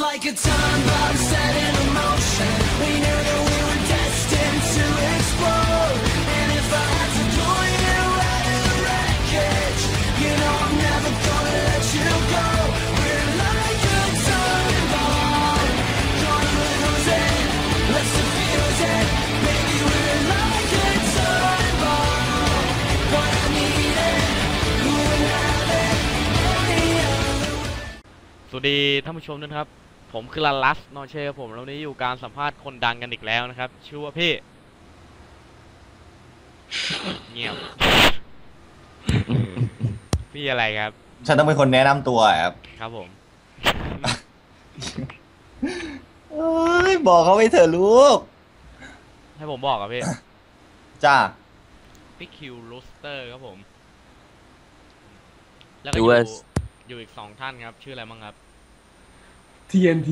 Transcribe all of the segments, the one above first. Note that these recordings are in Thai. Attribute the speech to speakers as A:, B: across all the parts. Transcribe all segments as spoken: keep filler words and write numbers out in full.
A: like a time bomb set in motion. We knew that we were destined to explode. And if I had to pull you out of the wreckage, you know I'm never gonna let you go. We're like a time bomb, gonna lose it. Let's defuse it. Baby, we're like a time bomb, but I need it. Who would have it any other way?
B: สวัสดีท่านผู้ชมด้วยครับผมคือลาลัสนอเช่ครับผมแล้ววันนี้อยู่การสัมภาษณ์คนดังกันอีกแล้วนะครับชื่อว่าพี่เงียบ พี่อะไรครับ
C: ฉันต้องเป็นคนแนะนำตัวครับ
B: ครับผม
C: เอ้ยบอกเขาไปเถอะลูก
B: ให้ผมบอกกับพี่
C: จ้า
B: พี่คิวลูสเตอร์ครับผมแล้วก็อยู่อยู่อีกสองท่านครับชื่ออะไรบ้างครับ
D: ที เอ็น ที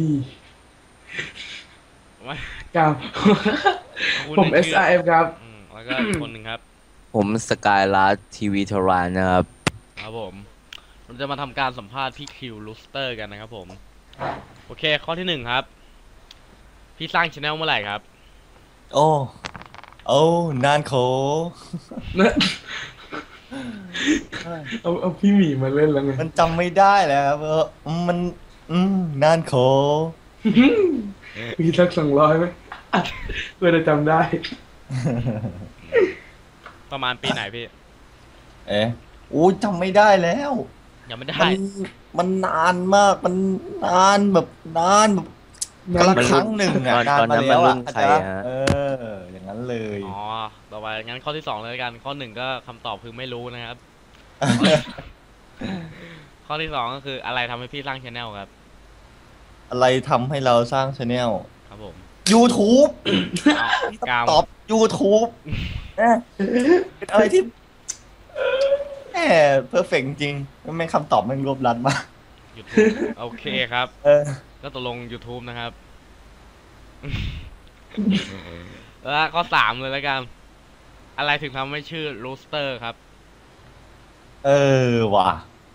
D: ครับผม เอส อาร์ เอฟ ครับ
B: แล้วก็อีกคนหนึ่งครับ
E: ผมสกายลัสทีวีทรานนะครับ
B: ครับผมเราจะมาทำการสัมภาษณ์พี่คิวลูสเตอร์กันนะครับผมโอเคข้อที่หนึ่งครับพี่สร้างช anel เมื่อไหร่ครับ
C: โอ้โอ้นานโข
D: เอาเอาพี่หมีมาเล่นแล้วไง
C: มันจำไม่ได้แล้วครับเออมันอืมนานโข
D: มีสักสองร้อยไหมเพื่อจะจำได้
B: ประมาณปีไหนพี่
C: เอ๊ะโอ้จำไม่ได้แล้ว
B: ยังไม่ได้
C: มันมันนานมากมันนานแบบนานแบบกระครั้งหนึ่งอ่ะนานมาแล้วอ่ะอาจารย์เอออย่างนั้นเลย
B: อ๋อต่อไปงั้นข้อที่สองเลยกันข้อหนึ่งก็คำตอบคือไม่รู้นะครับข้อที่สองก็คืออะไรทำให้พี่สร้างช anel ครับ
C: อะไรทำให้เราสร้างช anel
B: ครับผม
C: YouTube ตอบ YouTube เป็นอะไรที่แหมเพอร์เฟกต์จริงไม่คำตอบมันรวบรัดมาก
B: YouTube โอเคครับ
C: เออ
B: ก็ตกลง YouTube นะครับแล้วข้อสามเลยแล้วกันอะไรถึงทำให้ชื่อ Rooster ครับ
C: เออว่ะ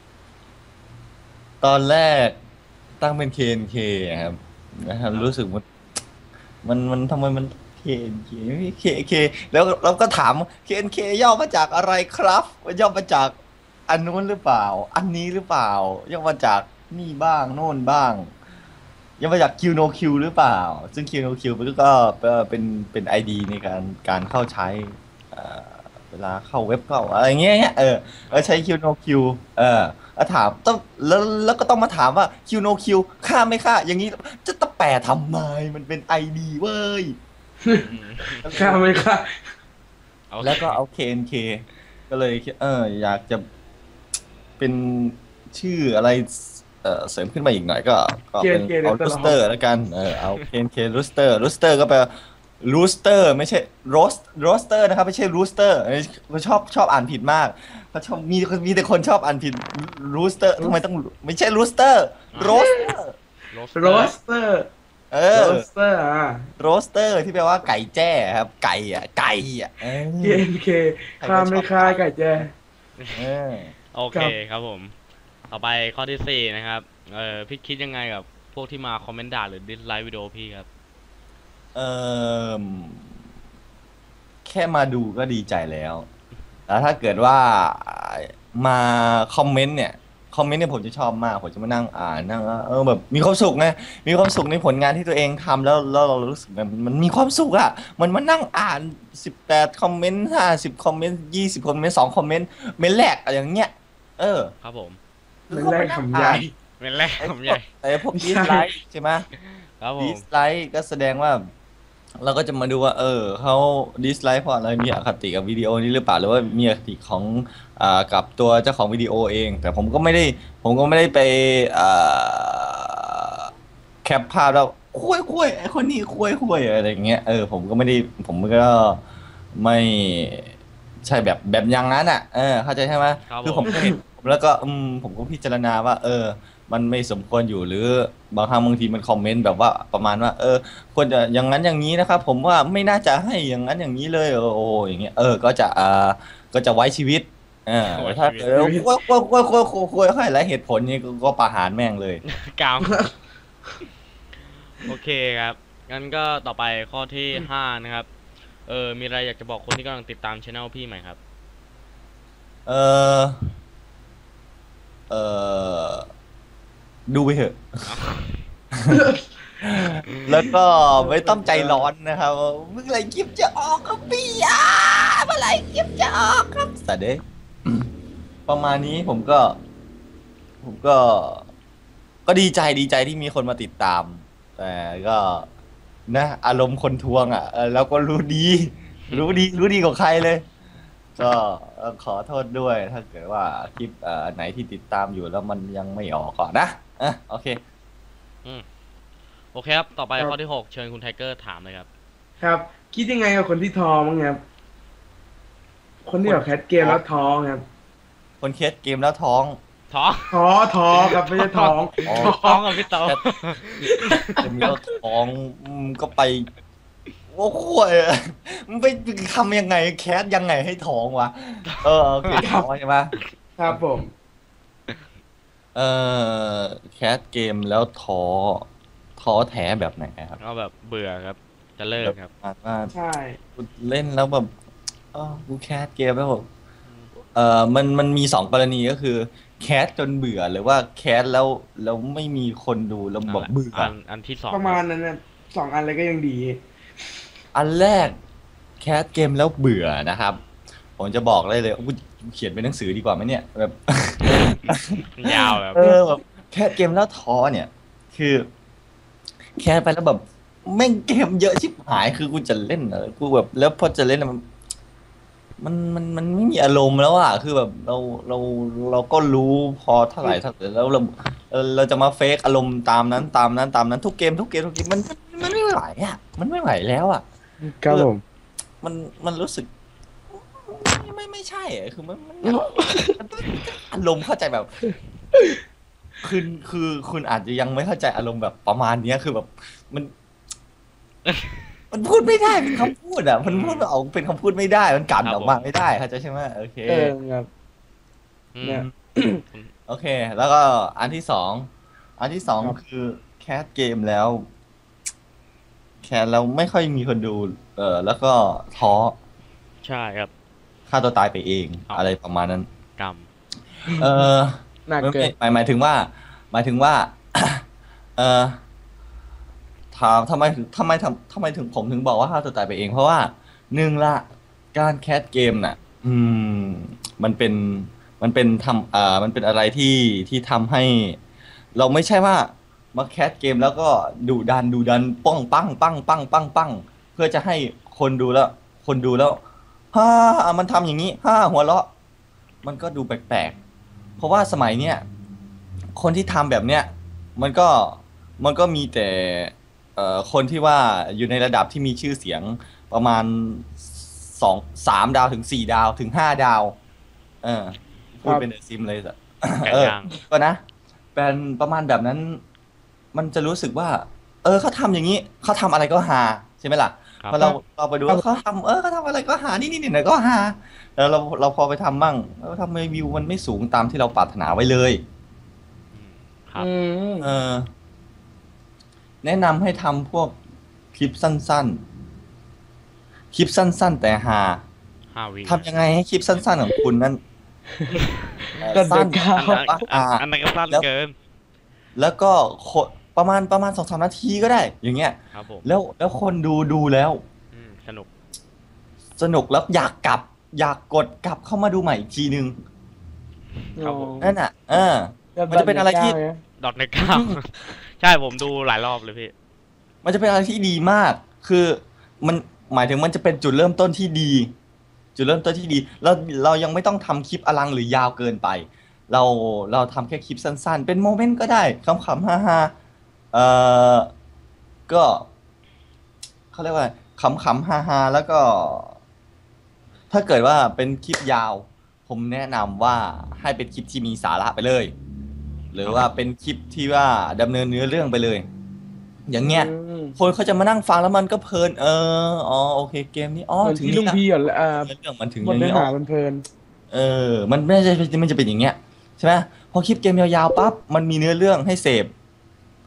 C: ตอนแรกตั้งเป็น เค เอ็น เค ครับนะครับรู้สึกมันมันมันทำไมมัน เค เอ็น เค ไม่ เค เค แล้วเราก็ถาม เค เอ็น เค ย่อมาจากอะไรครับย่อมาจากอันนู้นหรือเปล่าอันนี้หรือเปล่าย่อมาจากนี่บ้างโน่นบ้างย่อมาจาก คิว โน คิว หรือเปล่าซึ่ง คิว โน คิว มันก็เป็นเป็น ไอ ดี ในการการเข้าใช้เวลาเข้าเว็บเข้าอะไรเงี้ยเออใช้ คิว โน คิว เออถามต้องแล้วแล้วก็ต้องมาถามว่า คิว โน คิว ค่าไม่ค่าอย่างนี้จะต้องแปลทำไมมันเป็น ไอ ดี เว้ย
D: ค่าไม่ค่า
C: แล้วก็เอา เค เอ็น เค ก็เลยเอออยากจะเป็นชื่ออะไรเออเสริมขึ้นมาอีกหน่อยก็ก็เป็นเอารูสเตอร์แล้วกันเออเอา เค เอ็น เค รูสเตอร์รูสเตอร์ก็แปลรูสเตอร์ไม่ใช่โรสโรสเตอร์นะครับไม่ใช่รูสเตอร์เขาชอบชอบอ่านผิดมากเขาชอบมีมีแต่คนชอบอ่านผิดรูสเตอร์ทำไมต้องไม่ใช่รูสเตอร์โรสเตอร์
D: โรสเตอร์
C: เออ
D: โรสเตอร์อ่ะ
C: โรสเตอร์ที่แปลว่าไก่แจ้ครับไก่อ่ะไก่อ่ะ
D: เค เอ็น เค ข้าไม่ค่าไก่แจ้
B: โอเคครับผมต่อไปข้อที่สี่นะครับเออพี่คิดยังไงกับพวกที่มาคอมเมนต์ด่าหรือดิสไลค์วิดีโอพี่ครับ
C: เออแค่มาดูก็ดีใจแล้วแล้วถ้าเกิดว่ามาคอมเมนต์เนี่ยคอมเมนต์เนี่ยผมจะชอบมากผมจะมานั่งอ่านนั่งเออแบบมีความสุขไงมีความสุขในผลงานที่ตัวเองทำแล้วแล้วเรารู้สึกมันมันมีความสุขอ่ะมันมานั่งอ่านสิบแปดคอมเมนต์ห้าสิบคอมเมนต์ยี่สิบคอมเมนต์สองคอมเมนต์เมนแรกอะไรอย่างเงี้ยเออ
B: ครับผม
D: เมนแรกคำใหญ่
B: เมนแรกคำใหญ่
C: แต่พวกดิสไลค์ใช่ไหม
B: ครับผม
C: ดิสไลค์ก็แสดงว่าเราก็จะมาดูว่าเออเขาดิสไลค์เพราะอะไรมีอคติกับวิดีโอนี้หรือเปล่าหรือว่ามีอคติของอ่ากับตัวเจ้าของวิดีโอเองแต่ผมก็ไม่ได้ผมก็ไม่ได้ไปอ่าแคปภาพแล้วคุยคุยไอคนนี้คุยคุยอะไรอย่างเงี้ยเออผมก็ไม่ได้ผมก็ไม่ใช่แบบแบบอย่างนั้นอ่ะเออเข้าใจใช่ไหมคือผมเห็นแล้วก็อืมผมก็พิจารณาว่าเออมันไม่สมควรอยู่หรือบางครั้งบางทีมันคอมเมนต์แบบว่าประมาณว่าเออควรจะอย่างนั้นอย่างนี้นะครับผมว่าไม่น่าจะให้อย่างนั้นอย่างนี้เลยโอ้อย่างเงี้ยเออก็จะอ่าก็จะไว้ชีวิตอ่าถ้าเออคุยคุยคุยคุยคุยคุยให้หลายเหตุผลนี้ก็ประหารแม่งเลย
B: กาวโอเคครับงั้นก็ต่อไปข้อที่ห้านะครับเออมีอะไรอยากจะบอกคนที่กำลังติดตามช anel พี่ไหมครับ
C: เออเออดูไปเถอะ แล้วก็ไม่ต้องใจร้อนนะครับเมื่อไหรคลิปจะออกครับพี่อ่ะเมื่อไหรคลิปจะออกครับสัตว์เด้ย ประมาณนี้ผมก็ ผมก็ ก็ดีใจดีใจที่มีคนมาติดตาม แต่ก็นะอารมณ์คนทวงอ่ะเออเราก็รู้ดี รู้ดีรู้ดีกว่าใครเลย ก็เอ่อขอโทษด้วยถ้าเกิดว่าคลิปเอ่อไหนที่ติดตามอยู่แล้วมันยังไม่ออกก่อนนะอ่ะโอเค
B: โอเคครับต่อไป
D: ครับ
B: ข้อที่หกเชิญคุณไทเกอร์ถามเลยครับ
D: ครับ คิดยังไงกับคนที่ท้อมั้งครับ คนที่แบบแคสเกมแล้วท้อครับ
C: คนเคสเกมแล้วท้อง
B: ท้อง
D: ท้อท้อครับไม่ใช่ท้อง
C: อ๋อ
B: ท้องกับพี่โต
C: เกมแล้วท้องอืมก็ไปโอ้โหยมันไปทำยังไงแคสยังไงให้ท้องวะเออโอเคท้องใช่ไหม
D: ครับผม
C: เออแคสเกมแล้วท้อท้อแท้แบบไหนครับ
B: ก็แบบเบื่อครับ จะเลิกครับ
C: แบบว่า
D: ใช่
C: กูเล่นแล้วแบบเออกูแคสเกมแล้วแบบเออมันมันมีสองกรณีก็คือ แคสจนเบื่อหรือว่าแคสแล้วแล้วไม่มีคนดูแล้วแบบเบื่อ
B: อันอันที่สอง
D: ประมาณนั้นนะสองอันเลยก็ยังดี
C: อันแรกแคสเกมแล้วเบื่อนะครับ ผมจะบอกได้เลยกูเขียนเป็นหนังสือดีกว่าไหมเนี่ยแบบ
B: ยาวแบบ
C: เออแบบแคสเกมแล้วท้อเนี่ย คือแคสไปแล้วแบบแม่งเกมเยอะชิบหายคือกูจะเล่นเออกูแบบแล้วพอจะเล่นอะมันมันมันมันไม่มีอารมณ์แล้วอ่ะคือแบบเราเราเราก็รู้พอเท่าไหร่เท่าไหร่แล้วเราเออเราจะมาเฟกอารมณ์ตามนั้นตามนั้นตามนั้นทุกเกมทุกเกมทุกเกมมันมันมันไม่ไหวอ่ะมันไม่ไหวแล้วอ่ะ
D: ครับผม
C: มันมันรู้สึก ไม่ไม่ไม่ใช่อะคือมันมันมันมันอารมณ์เข้าใจแบบคือคือคุณอาจจะยังไม่เข้าใจอารมณ์แบบประมาณเนี้ยคือแบบมัน มันพูดไม่ได้เป็นคำพูดอ่ะ มันพูดออกเป็นคำพูดไม่ได้ มันกันออกมาไม่ได้เข้าใจใช่ไหมโอเค
D: เออครับ
B: อืม
D: เนี่ย
C: โอเค แล้วก็อันที่สองอันที่สอง
D: ครับ
C: คือแคสเกมแล้ว แคสแล้วไม่ค่อยมีคนดู เออแล้วก็ท้อ
B: ใช่ครับ
C: ฆ่าตัวตายไปเอง
B: เอา
C: อะไรประมาณนั้น
B: กรรม
C: เออ
D: หนัก
C: ไม่
D: เกิน
C: หมายหมายถึงว่า หมายถึงว่า เออถามทำไมถึงทำไมทำทำไมถึงผมถึงบอกว่าฆ่าตัวตายไปเอง เพราะว่าหนึ่งละการแคสเกมน่ะ อืม มันเป็นมันเป็นทำอ่ามันเป็นอะไรที่ที่ทำให้ เราไม่ใช่ว่ามาแคสเกมแล้วก็ดุดันดุดันป้องปังปังปังปังปังเพื่อจะให้คนดูแล้ว คนดูแล้วฮ่ามันทำอย่างนี้ฮ่าหัวเราะ มันก็ดูแปลกๆ เพราะว่าสมัยเนี้ยคนที่ทำแบบเนี้ยมันก็มันก็มีแต่เอ่อคนที่ว่าอยู่ในระดับที่มีชื่อเสียงประมาณสองสามดาวถึงสี่ดาวถึงห้าดาว เออพูดเป็นเดอะซิมเลยอะ
B: ไก่
C: เออ
B: ย่าง
C: ก็นะเป็นประมาณแบบนั้น มันจะรู้สึกว่า เออเขาทำอย่างนี้เขาทำอะไรก็ฮาใช่ไหมล่ะ
B: ครับ
C: พอเราเราไปดูว่าเขาทำเออเขาทำอะไรก็หานี่นี่นี่ไหนก็หาแล้วเราเราพอไปทำมั่งแล้วทำไมวิวมันไม่สูงตามที่เราปรารถนาไว้เลย
B: อืมครับ
D: อืม
C: เออ แนะนำให้ทำพวกคลิปสั้นๆ คลิปสั้น ๆ แต่หา
B: ห้าวิ
C: ทำยังไงให้คลิปสั้น ๆ ของคุณนั้นเอ่อ
D: ก็เดิ
C: สั้
D: น
C: น
D: ก้าว
B: อัน
C: แต่
B: อัน
C: ว่า
B: อันอันนั้นก็สั้น
C: แล้ว
B: เกิน
C: แล้วก็โคประมาณประมาณสองสามนาทีก็ได้ อย่างเงี้ย
B: ครับผม
C: แล้วแล้วคนดูดูแล้ว
B: อืมสนุก
C: สนุกแล้วอยากกลับ อยากกดกลับเข้ามาดูใหม่อีกทีนึง
B: ครับผม
C: นั่นอ่ะ เออ มันจะเป็นอะไรที่
B: ดอทในเก้า ใช่ผมดูหลายรอบเลยพี่
C: มันจะเป็นอะไรที่ดีมาก คือมันหมายถึงมันจะเป็นจุดเริ่มต้นที่ดี จุดเริ่มต้นที่ดี เราเรายังไม่ต้องทำคลิปอลังหรือยาวเกินไป เราเราทำแค่คลิปสั้นๆ เป็นโมเมนต์ก็ได้ขำๆฮ่าๆเอ่อก็เขาเรียกว่าขำๆฮ่าๆแล้วก็ ถ้าเกิดว่าเป็นคลิปยาว ผมแนะนำว่าให้เป็นคลิปที่มีสาระไปเลย หรือว่าเป็นคลิปที่ว่าดำเนินเนื้อเรื่องไปเลย อย่างเงี้ย
D: อืม
C: คนเขาจะมานั่งฟังแล้วมันก็เพลิน เออ อ๋อ โอเค เกมนี้ อ๋อ
D: เหมือน
C: ถึง
D: ที่
C: นี่
D: ลุง
C: นะ
D: พี่อ่ะอ่า
C: เรื่องมันถึง
D: บ
C: อ
D: ท
C: ย่าง
D: เนื้อ
C: นี้
D: หา
C: อ๋อ
D: มันเพลิน
C: เออ มันไม่ใช่มันจะเป็นอย่างเงี้ย ใช่ไหมพอคลิปเกมยาวๆปั๊บ มันมีเนื้อเรื่องให้เสพ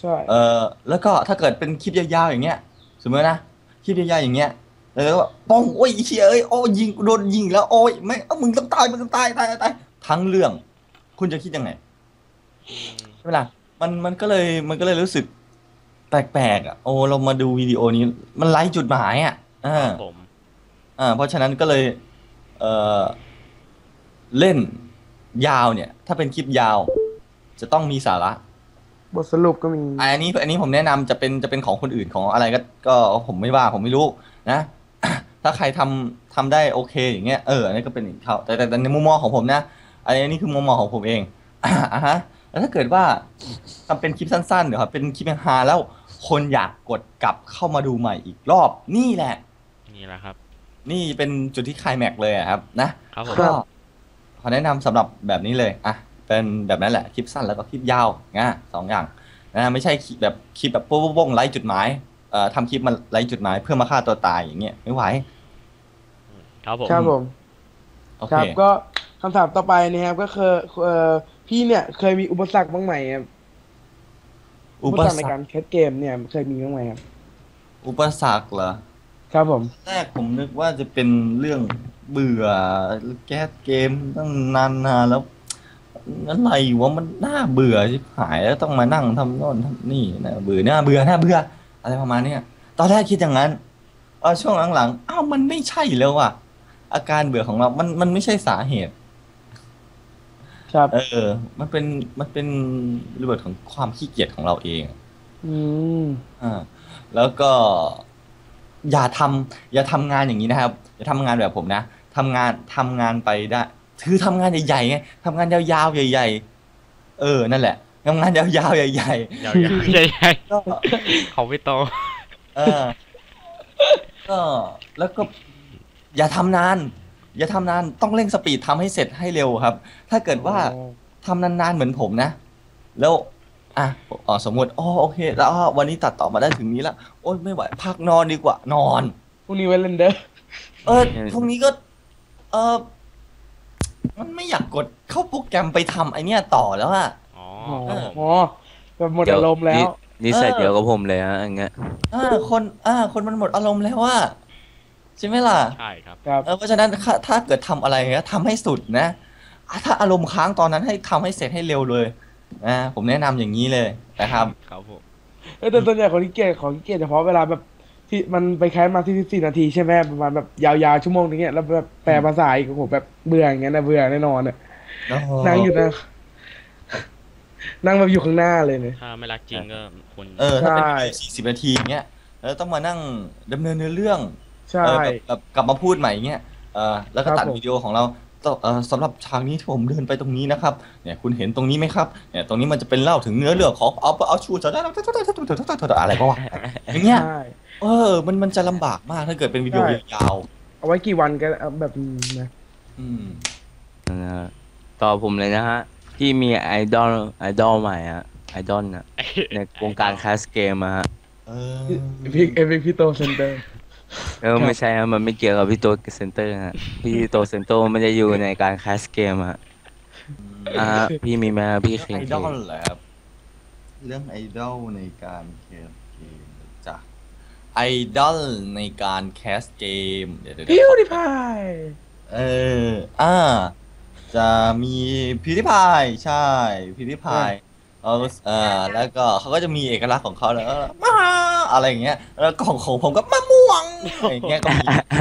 D: ใช่
C: เออแล้วก็ถ้าเกิดเป็นคลิปยาวๆอย่างเงี้ยสมมตินะคลิปยาวๆอย่างเงี้ยแล้วก็ป้องโอ้ยไอ้เชี่ยเอ้ยโอ้ยยิงกูโดนยิงแล้วโอ้ยไม่เอ้ามึงต้องตายมึงต้องตายตายตายตายทั้งเรื่อง คุณจะคิดยังไง
B: อืม
C: ใช่ไหมล่ะมันมันก็เลยมันก็เลยรู้สึกแปลกๆอ่ะโอ้เรามาดูวิดีโอนี้มันไร้จุดหมายอ่ะอ่า
B: ครับผม
C: อ่าเพราะฉะนั้นก็เลยเออเล่นยาวเนี่ย ถ้าเป็นคลิปยาว จะต้องมีสาระ
D: บทสรุปก็มี
C: อันนี้อันนี้ผมแนะนำจะเป็นจะเป็นของคนอื่นของอะไรก็ก็ผมไม่ว่าผมไม่รู้นะ ถ้าใครทำทำได้โอเคอย่างเงี้ยเอออันนี้ก็เป็นอีกเขาแต่แต่แต่ในมุมมองของผมนะอันนี้นี่คือมุมมองของผมเอง อ่ะฮะแล้วถ้าเกิดว่าทำเป็นคลิปสั้นๆเดี๋ยวครับเป็นคลิปฮาแล้วคนอยากกดกลับเข้ามาดูใหม่อีกรอบนี่แหละ
B: นี่แหละครับ
C: นี่เป็นจุดที่ไคลแม็กซ์เลยอะครับนะครับ
B: ผม
C: ก็ขอแนะนำสำหรับแบบนี้เลยอ่ะเป็นแบบนั้นแหละคลิปสั้นแล้วก็คลิปยาวนะสองอย่างนะไม่ใช่คลิปแบบคลิปแบบโป๊ะๆไร้จุดหมายเอ่อทำคลิปมาไร้จุดหมายเพื่อมาฆ่าตัวตายอย่างเงี้ยไม่ไหว
B: ครับผม
D: ครับผม
C: โอ
D: ค
C: เครับ
D: ก็คำถามต่อไปนะครับก็คือเอ่อพี่เนี่ยเคยมีอุปสรรคบ้างไหมครับ
C: อุป
D: ใน
C: สร
D: การ รแคสเกมเนี่ยเคยมีบ้างไหมครับ
C: อุปสรรคเหรอ
D: ครับผม
C: แรกผมนึกว่าจะเป็นเรื่องเบื่อแก๊สเกมตั้งนานนานแล้วอะไรวะมันน่าเบื่อชิบหายแล้วต้องมานั่งทำโน่นทำนี่นะเบื่อน่าเบื่อน่าเบื่ออะไรประมาณเนี้ยตอนแรกคิดอย่างนั้นเออช่วงหลังๆอ้าวมันไม่ใช่แล้วอ่ะอาการเบื่อของเรา มันมันไม่ใช่สาเหตุ
D: ครับ
C: เออ มันเป็นมันเป็นระเบิดของความขี้เกียจของเราเอง
D: อืม
C: อ่าแล้วก็อย่าทำอย่าทำงานอย่างนี้นะครับ อย่าทำงานแบบผมนะทำงานทำงานไปได้คือทำงานใหญ่ๆไงทำงานยาวๆใหญ่ๆเออนั่นแหละทำงานยาวๆใหญ่
B: ยาวๆใหญ่
C: ๆก็
B: ๆเขาไม่โต
C: เออก็แล้วก็ อย่าทำนาน อย่าทำนานต้องเร่งสปีดทำให้เสร็จให้เร็วครับ ถ้าเกิดว่า ทำนานๆเหมือนผมนะ แล้วอ่ะอ๋อสมมติอ๋อโอเค แล้วอ๋อวันนี้ตัดต่อมาได้ถึงนี้แล้วโอ๊ยไม่ไหวพักนอนดีกว่านอน
D: พรุ่งนี้ไว้เล่นเด้อ
C: เออพรุ่งนี้ก็ เออมันไม่อยากกดเข้าโปรแกรมไปทำไอเนี้ยต่อแล้วอะ
B: อ๋อ
D: อ๋อ
B: ครับผม
D: อ๋อแบบหมดอารมณ์แล้ว
E: นิสัย
C: เออ
E: เดียวกับผมเลยฮะอย่างเงี้ย
C: อ่าคนอ่าคนมันหมดอารมณ์แล้วว่าใช่ไหมล่ะ
B: ใช่ครับ
D: ครับ
C: เออเพราะฉะนั้นถ้าถ้าเกิดทำอะไรเงี้ยทำให้สุดนะอ่ะถ้าอารมณ์ค้างตอนนั้นให้ทำให้เสร็จให้เร็วเลยนะผมแนะนำอย่างนี้เลยนะครับ
B: ครับผม
D: เออแต่ส่วนใหญ่ของที่เกียจของที่เกียจเฉพาะเวลาแบบที่มันไปแคสมาที่สิบสี่นาทีใช่ไหมประมาณแบบยาวๆชั่วโมงนึงเนี่ยแล้วแบบแปลภาษาอีกโอ้โหแบบเบื่ออย่างเงี้ยนะเบื่อแน่นอนอ่ะนั่งอยู่นะนั่งแบบอยู่ข้างหน้าเลยเนี่ย
B: ถ้าไม่รักจริงก็ควร
C: เออถ้าเป็น
D: ใช่
C: สี่สิบนาทีอย่างเงี้ยแล้วต้องมานั่งดำเนินเนื้อเรื่อง
D: ใช่
C: เออแบบแบบกลับมาพูดใหม่อย่างเงี้ยเออแล้วก็
D: ครับ
C: ตัด
D: ผม
C: วิดีโอของเราต่อเออสำหรับฉากนี้ที่ผมเดินไปตรงนี้นะครับเนี่ยคุณเห็นตรงนี้ไหมครับเนี่ยตรงนี้มันจะเป็นเล่าถึงเนื้อเรื่องของเอาเอาชูจะได้อะไรก็ว่าอย่างเงี้ย
D: ใช่
C: เออมันมันจะลำบากมากถ้าเกิดเป็นวิดีโอ
D: ใช่
C: ยาว
D: เอาไว้กี่วันกันเอาแบบนี้นะ
C: ๆอืม
E: นะฮะต่อผมเลยนะฮะ พี่มีไอดอลไอดอลใหม่ฮะไอดอลนะในวงการแคสเกมอะฮะ
C: เออ
D: พี่เอพิพี่โตเซนเตอร์
E: เออไม่ใช่ฮะมันไม่เกี่ยวกับพี่โตเซนเตอร์ฮะพี่โตเซนเตอร์มันจะอยู่ในการแคสเกมฮะอ่าฮะพี่มีไหมฮะพี่
C: เรื่อง
E: คิง
C: ไอดอลเหรอครับเรื่องไอดอลในการแคสเกมจ้ะไอดอลในการแคสเกมเดี๋ยวเดี๋ยว
D: พิ
C: เดี๋ยว
D: วดิพาย
C: เอออ่าจะมีพิวดิพายใช่พิวดิพายเออเออแล้วก็เขาก็จะมีเอกลักษณ์ของเขาแล้วก็มาอะไรอย่างเงี้ยแล้วของของผมก็มะม่วงอะไรอย่างเงี้ยก็มี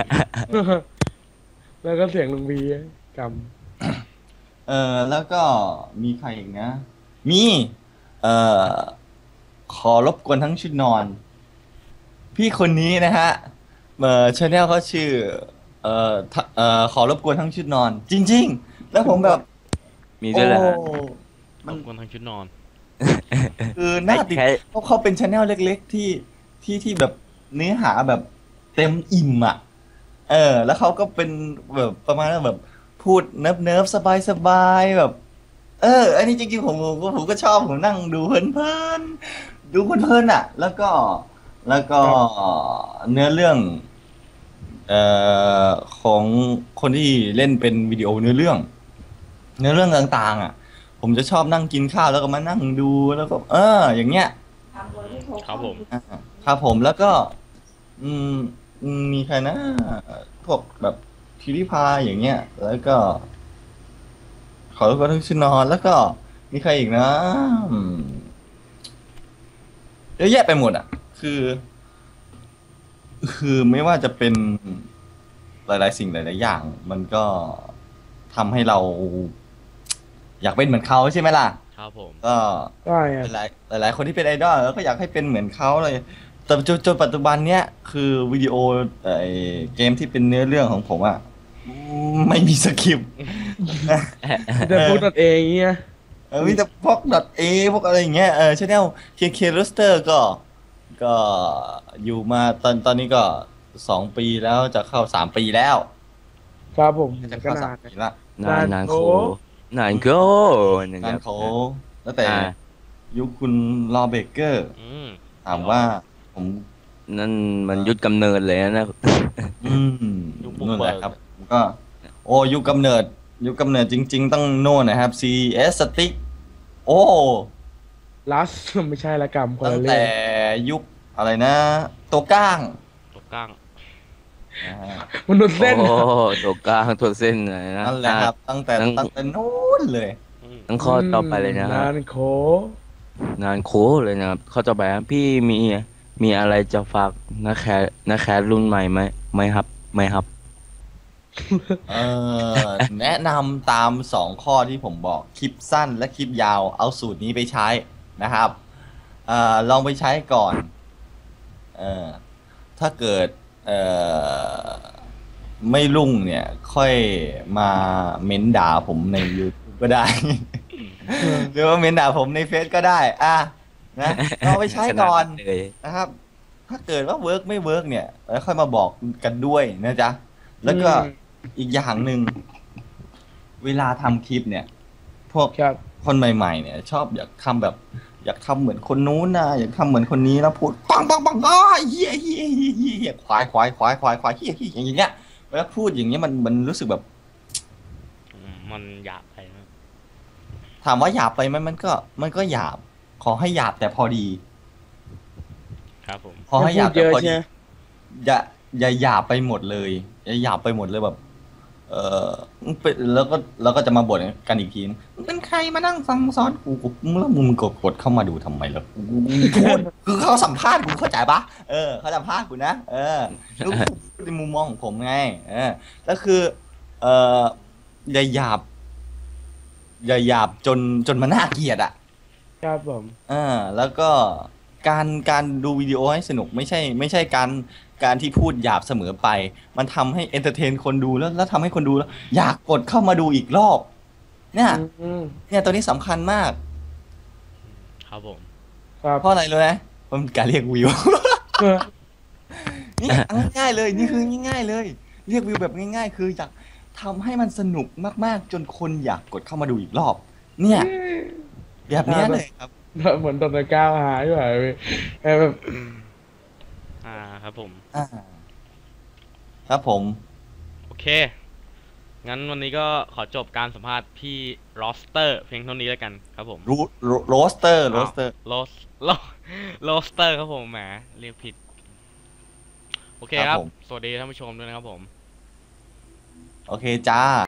D: แล้วก็เสียงลุงพีก
C: เออแล้วก็มีใครอีกนะ มีเอ่อขอรบกวนทั้งชุดนอน พี่คนนี้นะฮะเอ่อชาแนลเขาชื่อเอ่อทะเอ่อขอรบกวนทั้งชุดนอน จริง ๆ แล้วผมแบบ
E: มีด้วยเหรอฮะ
C: โอ้
B: รบกวนทั้งชุดนอน
C: คือหน้าติด
E: ไอ้แค่
C: เขาเขาเป็นชาแนลเล็ก ๆ ที่ที่ที่แบบเนื้อหาแบบเต็มอิ่มอ่ะ เออ แล้วเขาก็เป็นแบบประมาณว่าแบบพูดเนิบเนิบสบายสบายๆแบบ เออ อันนี้จริงๆผมผมก็ผมก็ชอบผมนั่งดูเพลินๆดูเพลินๆอ่ะ แล้วก็แล้วก็เนื้อเรื่อง เอ่อของคนที่เล่นเป็นวิดีโอเนื้อเรื่อง เนื้อเรื่องต่างๆ อ่ะ ผมจะชอบนั่งกินข้าวแล้วก็มานั่งดูแล้วก็ เออ อย่างเงี้ย
B: ครับผม
C: อ่าครับผมแล้วก็ อืมอืมมีใครนะพวกแบบพิริพายอย่างเงี้ย แล้วก็ขอรบกวนทุกชื่อนอนแล้วก็มีใครอีกนะอืมเยอะแยะไปหมดอ่ะ คือ คือไม่ว่าจะเป็นหลาย ๆ สิ่งหลาย ๆ อย่าง มันก็ทำให้เรา อยากเป็นเหมือนเขาใช่ไหมล่ะ
B: ครับผม
C: ก็
D: ใช่ครับ
C: หลายหลายๆคนที่เป็นไอดอลแล้วก็อยากให้เป็นเหมือนเขาเลยแต่จนจนปัจจุบันเนี้ยคือวิดีโอไอเกมที่เป็นเนื้อเรื่องของผมอะไม่มีสคริปต์
D: แต่พูดตัดเองอย่างเงี้ย
C: เออมีแต่พวกดอทเอพวกอะไรอย่างเงี้ยเออชแนลเคเครูสเตอร์ก็ก็อยู่มาตอนตอนนี้ก็สองปีแล้วจะเข้าสามปีแล้ว
D: ครับผม
C: จะ
D: ก็
C: เข้าสาน
D: าม น
C: ปีละ
E: นานนานโคนานโคนะค
C: งา
E: รั
C: น
E: บ
C: เขาแล้วแต่
E: อ่า
C: ยุคคุณรอเบเกอร์
B: อืม
C: ถามว่าผม
E: นั่นมันยุดกำเนิดเลยนะ
C: อืม
B: ยุคบุก
C: นู่น
B: เบิ
C: แหละ
B: ก
C: ครับผมก็ โอ้ยุคกำเนิด ยุคกำเนิดจริง ๆ ต้องโน่นนะครับ ซี เอส Stick โอ้
D: ลัส ไม่ใช่ละกรรมคน
C: ตั้ง
D: ละเรื่
C: แต่
D: อง
C: ยุคอะไรนะ ตัวก้าง
B: ตกก้าง
C: นะฮะ
D: มนุษย์เส้น
E: โอ้ตัวกลางตัวเส้นเลยนะ
C: นั่นแหละครับ ตั้งแต่
E: ตั้ง
C: ตั้งแต่นู้นเลย
B: อืม
E: ตั้งข้อต่อไปเลยนะฮะ
D: นานโค
E: นานโคเลยนะครับข้อต่อไปครับพี่มีมีอะไรจะฝากนักแคสนักแคสรุ่นใหม่ไหมไหมครับไหมครับ
C: เออ แนะนำตามสองข้อที่ผมบอกคลิปสั้นและคลิปยาวเอาสูตรนี้ไปใช้นะครับเอ่อลองไปใช้ก่อนเออถ้าเกิดเอ่อไม่รุ่งเนี่ย ค่อยมาเม้นด่าผมใน YouTube ก็ได้ หรือว่าเม้นด่าผมในเฟซก็ได้ อ่ะนะลองไปใช้ก่อน
E: ขนาดเลย
C: นะครับ ถ้าเกิดว่าเวิร์กไม่เวิร์กเนี่ยแล้วค่อยมาบอกกันด้วยนะจ๊ะ แล้วก็
D: อืม
C: อีกอย่างหนึ่งเวลาทำคลิปเนี่ย พวก
D: ครับ
C: คนใหม่ ๆ เนี่ย ชอบอยากทำแบบ อยากทำเหมือนคนนู้นนะอยากทำเหมือนคนนี้แล้วพูดปังปังปังอ้ายเฮียเฮียเฮียเฮียเฮียควายควายควายควายควายเฮียเฮียอย่างเงี้ยเวลาพูดอย่างเงี้ยมันมันรู้สึกแบบ
B: อืมมันหยาบไปนะ
C: ถามว่าหยาบไปไหมมันก็ มันก็หยาบ ขอให้หยาบแต่พอดี
B: ครับผม
C: พอให้หยาบแต่พอ
D: อย่าพูดเย
C: ดี
D: อะใช่ไหม
C: อย่าอย่าหยาบไปหมดเลยอย่าหยาบไปหมดเลยแบบ เออเป็นแล้วก็แล้วก็จะมาบ่นกันอีกทีนึงมึงเป็นใครมานั่งฟังซ้อนกูกูแล้วมึงกดกดเข้ามาดูทำไมล่ะกูกูกูโทษคือเขาสัมภาษณ์กูเข้าใจปะเออเขาสัมภาษณ์กูนะเออแล้วกูพูดในมุมมองของผมไงเออแล้วคือ เอออย่าหยาบอย่าหยาบจนจนมันน่าเกลียดอ่ะ
D: ครับผม
C: อ่าแล้วก็การการดูวิดีโอให้สนุกไม่ใช่ ไม่ใช่การการที่พูดหยาบเสมอไป มันทำให้เอนเตอร์เทนคนดูแล้วแล้วทำให้คนดูแล้ว อยากกดเข้ามาดูอีกรอบ เนี่ย
D: อืม
C: เนี่ยตัวนี้สำคัญมาก
B: ครับผม
D: ครับ
C: เพราะอะไรรู้ไหมเพราะมันการเรียกวิว
D: เออ
C: นี่ง่ายๆเลยนี่คือง่ายๆเลย เรียกวิวแบบง่าย ๆ คืออยากทำให้มันสนุกมากๆ จนคนอยากกดเข้ามาดูอีกรอบ เนี่ยแบบเนี้ยเลยครับ
D: เหมือนตอนตะก้าวหายไปเออแบบ
B: อ่าครับผม
C: อ่าครับผม
B: โอเค งั้นวันนี้ก็ขอจบการสัมภาษณ์พี่โรสเตอร์เพียงเท่านี้แล้วกันครับผม
C: รูโรสเตอร์โรสเตอร์
B: โรสโรโรสเตอร์ครับผมแหมเรียกผิด โอเคครับ สวัสดีท่านผู้ชมด้วยนะครับผม
C: โอเคจ้า